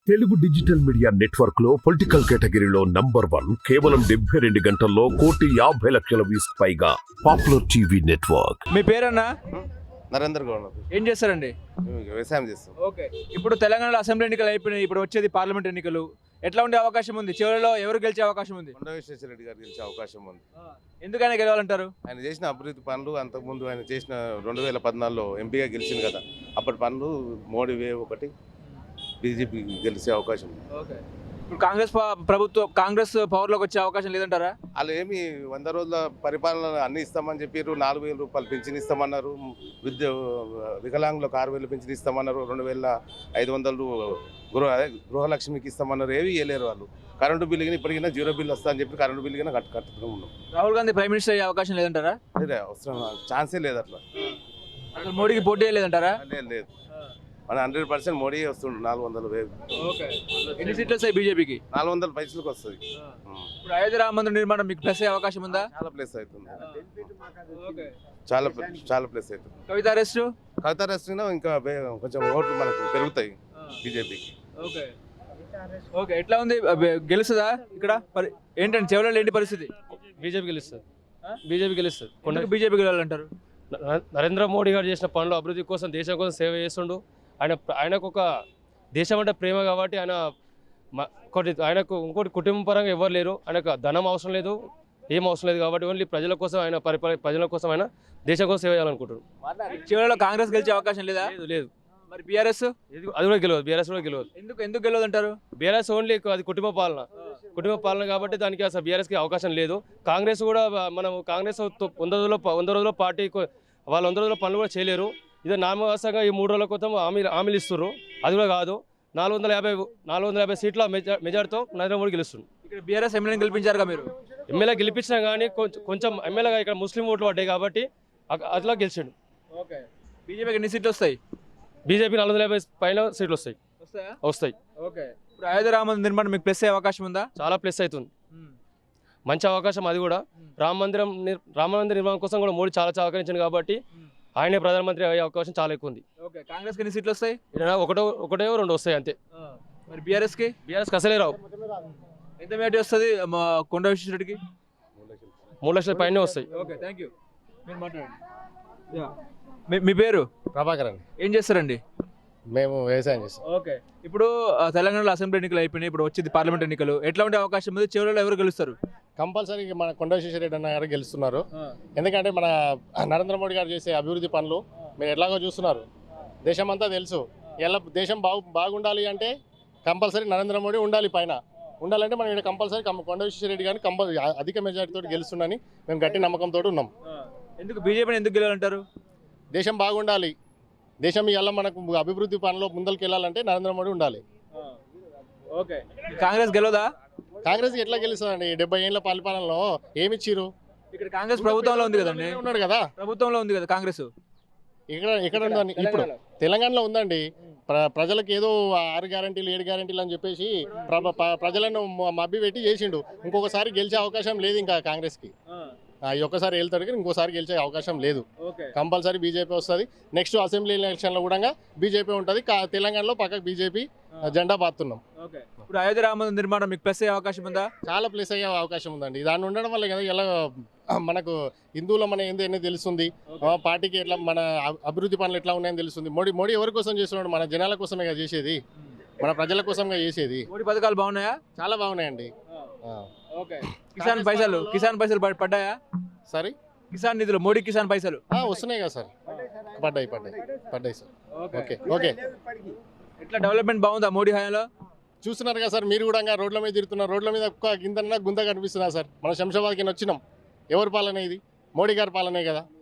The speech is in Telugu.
తెలుగు డిజిటల్ మీడియా నెట్వర్క్ లో పొలిటికల్ కేటగిరీలో #1 కేవలం 72 గంటల్లో 1,50,00,000 వ్యూస్ పైగా పాపులర్ టీవీ నెట్వర్క్. మీ పేరన్నా? నరేంద్ర గౌడ్. ఏం చేస్తారండి? వ్యవసాయం చేస్తాం. ఓకే, ఇప్పుడు తెలంగాణలో అసెంబ్లీ ఎన్నికలు అయిపోయినాయి, ఇప్పుడు వచ్చేది పార్లమెంట్ ఎన్నికలు. ఎట్లా ఉండే అవకాశం ఉంది? చివరిలో ఎవరు గెలిచే అవకాశం ఉంది? కొండ విశ్వేశ్వరరెడ్డి గారు గెలిచే అవకాశం ఉంది. ఎందుకైనా గెలవాలంటారు? ఆయన చేసిన అభివృద్ధి పనులు, అంతకుముందు ఆయన చేసిన 2014లో ఎంపీగా గెలిచింది కదా, అప్పటి పనులు మోడీ వేవ్ ఒకటి, బీజేపీ గెలిచే అవకాశం ఉంది. ఓకే, ఇప్పుడు కాంగ్రెస్ పవర్లోకి వచ్చే అవకాశం లేదంటారా? వాళ్ళు ఏమి 100 రోజుల పరిపాలన అన్ని ఇస్తామని చెప్పారు. 4,000 రూపాయలు పెన్షన్ ఇస్తామన్నారు. వికలాంగులకు 6,000 పెన్షన్ ఇస్తామన్నారు. 2,500 గృహలక్ష్మికి ఇస్తామన్నారు. ఏవి ఇవ్వలేరు వాళ్ళు. కరెంటు బిల్లు కానీ ఇప్పటికైనా 0 బిల్లు వస్తా అని చెప్పి కరెంటు బిల్లు కానీ కట్టుతూ ఉన్నాం. రాహుల్ గాంధీ ప్రైమ్ మినిస్టర్ అయ్యే అవకాశం లేదంటారా? అదే అవసరం, ఛాన్సే లేదు అట్లా. అసలు మోడీకి పోటీ లేదంటారా? లేదు, మన 100% మోడీ వస్తుండు. 400,000. ఓకే, ఎన్ని సీట్లు వస్తాయి బీజేపీకి? 400 పైసలకు వస్తుంది. ఇప్పుడు అయోధ్య రామ మందిర నిర్మాణం మీకు ప్లస్ అయ్యే అవకాశం ఉందా? చాలా ప్లేస్ అవుతుంది. ఓకే, చాలా ప్లేస్ అవుతుంది. కవిత అరెస్ట్? కవిత అరెస్ట్ ఇంకా కొంచెం ఓట్లు మనకు పెరుగుతాయి బీజేపీకి. ఓకే ఓకే, ఎట్లా ఉంది? గెలుస్తుందా ఇక్కడ? ఏంటంటే చివరిలో ఏంటి పరిస్థితి? బీజేపీ గెలుస్తుంది. బీజేపీ గెలుస్తుంది. బీజేపీ గెలవాలంటారు? నరేంద్ర మోడీ గారు చేసిన పనులు, అభివృద్ధి కోసం, దేశం కోసం సేవ చేస్తుండు. ఆయనకు ఒక దేశం అంటే ప్రేమ కాబట్టి ఆయనకు ఇంకోటి కుటుంబ పరంగా ఎవరు లేరు. ఆయనకు ధనం అవసరం లేదు, ఏం అవసరం లేదు కాబట్టి ఓన్లీ ప్రజల కోసం ఆయన ప్రజల కోసం ఆయన దేశం కోసం సేవ చేయాలనుకుంటారు. చివరిలో కాంగ్రెస్ గెలిచే అవకాశం లేదా? లేదు. మరి బీఆర్ఎస్? అది కూడా గెలవదు. బీఆర్ఎస్ కూడా గెలవదు. ఎందుకు గెలవదు అంటారు? బీఆర్ఎస్ ఓన్లీ అది కుటుంబ పాలన కాబట్టి దానికి అసలు బీఆర్ఎస్కి అవకాశం లేదు. కాంగ్రెస్ కూడా మనం కాంగ్రెస్ 100 రోజుల పార్టీ వాళ్ళు 100 రోజుల పనులు కూడా చేయలేరు. ఇదే నామవాసంగా ఈ 3 రోజుల క్రితం హామీలు ఇస్తున్నారు. అది కూడా కాదు. 450 సీట్ల మెజార్టీతో నరేంద్ర మోడీ గెలుస్తుంది. ఇక్కడ బీఆర్ఎస్ ఎమ్మెల్యేని గెలిపించారుగా మీరు? ఎమ్మెల్యే గెలిపించినా కానీ కొంచెం ఎమ్మెల్యేగా ఇక్కడ ముస్లిం ఓట్లు పడ్డాయి కాబట్టి అట్లా గెలిచాడు. ఓకే, బీజేపీకి ఎన్ని సీట్లు వస్తాయి? బీజేపీ 450 పైన సీట్లు వస్తాయి. ఓకే, ఇప్పుడు అయోధ్య రామ మందిర నిర్మాణం మీకు ప్లస్ అయ్యే అవకాశం ఉందా? చాలా ప్లస్ అవుతుంది. మంచి అవకాశం అది కూడా. రామ మందిర నిర్మాణం కోసం కూడా మోడీ చాలా సహకరించింది కాబట్టి ఆయనే ప్రధానమంత్రి అయ్యే అవకాశం చాలా ఎక్కువ ఉంది. ఓకే, కాంగ్రెస్కి ఎన్ని సీట్లు వస్తాయి? ఒకటో 2 వస్తాయి అంతే. మరి బీఆర్ఎస్కి అసలే రావు. ఎంత మేటి వస్తుంది కొండ విశ్వేశ్వరరెడ్డికి? 3 లక్షల పైనే వస్తాయి. Okay, thank you. మీరు మాట్లాడండి. మీ పేరు? ప్రభాకర్ అండి. ఏం చేస్తారండి? మేము వ్యవసాయం చేస్తాం. ఓకే, ఇప్పుడు తెలంగాణలో అసెంబ్లీ ఎన్నికలు అయిపోయినాయి, ఇప్పుడు వచ్చేది పార్లమెంట్ ఎన్నికలు. ఎట్లా ఉండే అవకాశం ఉంది? చివరిలో ఎవరు గెలుస్తారు? కంపల్సరీ మన కొండ విశ్వేశ్వరరెడ్డి అన్న గారు గెలుస్తున్నారు. ఎందుకంటే మన నరేంద్ర మోడీ గారు చేసే అభివృద్ధి పనులు మీరు ఎట్లాగో చూస్తున్నారు. దేశం అంతా తెలుసు. ఎలా దేశం బాగుండాలి అంటే కంపల్సరీ నరేంద్ర మోడీ ఉండాలి. పైన ఉండాలంటే మనం ఇక్కడ కంపల్సరీ కొండ విశ్వేశ్వరరెడ్డి గారిని అధిక మెజారిటీతో గెలుస్తుందని మేము గట్టి నమ్మకంతో ఉన్నాం. ఎందుకు బీజేపీని ఎందుకు గెలవాలంటారు? దేశం బాగుండాలి. దేశం ఇలా మనకు అభివృద్ధి పనులు ముందరికి వెళ్ళాలంటే నరేంద్ర మోడీ ఉండాలి. ఓకే, కాంగ్రెస్ గెలవదా? కాంగ్రెస్ ఎట్లా గెలుస్తుందండి? 70 ఏళ్ళ పరిపాలనలో ఏమిచ్చిరు? ఇక్కడ కాంగ్రెస్ ప్రభుత్వంలో ఉంది కదండి. ఉన్నాడు కదా, ప్రభుత్వంలో ఉంది కదా కాంగ్రెస్. ఇక్కడ ఉందండి. ఇప్పుడు తెలంగాణలో ఉందండి. ప్రజలకు ఏదో 6 గ్యారంటీలు 7 గ్యారంటీలు అని చెప్పేసి ప్రజలను మభ్య పెట్టి చేసిండు. ఇంకొకసారి గెలిచే అవకాశం లేదు ఇంకా కాంగ్రెస్కి. ఒక్కసారి వెళ్తాడు కానీ ఇంకోసారి గెలిచే అవకాశం లేదు. కంపల్సరీ బీజేపీ వస్తుంది. నెక్స్ట్ అసెంబ్లీ ఎలక్షన్లో కూడా బీజేపీ ఉంటుంది. తెలంగాణలో పక్కకు బీజేపీ జెండా పాతున్నాం. ఇప్పుడు అయోధ్య రామ మందిర నిర్మాణం మీకు ప్లస్ అయ్యే అవకాశం ఉందా? చాలా ప్లస్ అయ్యే అవకాశం ఉందండి. దాన్ని ఉండడం వల్ల కదా ఎలా మనకు హిందువుల మన ఏందో తెలుస్తుంది. పార్టీకి ఎట్లా మన అభివృద్ధి పనులు ఎట్లా ఉన్నాయని తెలుస్తుంది. మోడీ ఎవరి కోసం చేస్తున్నాడు? మన జనాల కోసమే కదా చేసేది, మన ప్రజల కోసంగా చేసేది. మోడీ పథకాలు బాగున్నాయా? చాలా బాగున్నాయండి. ఓకే, కిసాన్ పైసలు పడ్డాయా? సరే, కిసాన్ నిధులు, మోడీ కిసాన్ పైసలు వస్తున్నాయి కదా సార్? పడ్డాయి సార్. ఓకే, ఎట్లా డెవలప్మెంట్ బాగుందా మోడీ హయాంలో? చూస్తున్నారు కదా సార్, మీరు కూడా రోడ్ల మీద తిరుగుతున్నారు. రోడ్ల మీద గుంత కనిపిస్తున్నా సార్. మనం శంషాబాద్కి వచ్చినాం. ఎవరి పాలన ఇది? మోడీ గారి పాలనే కదా.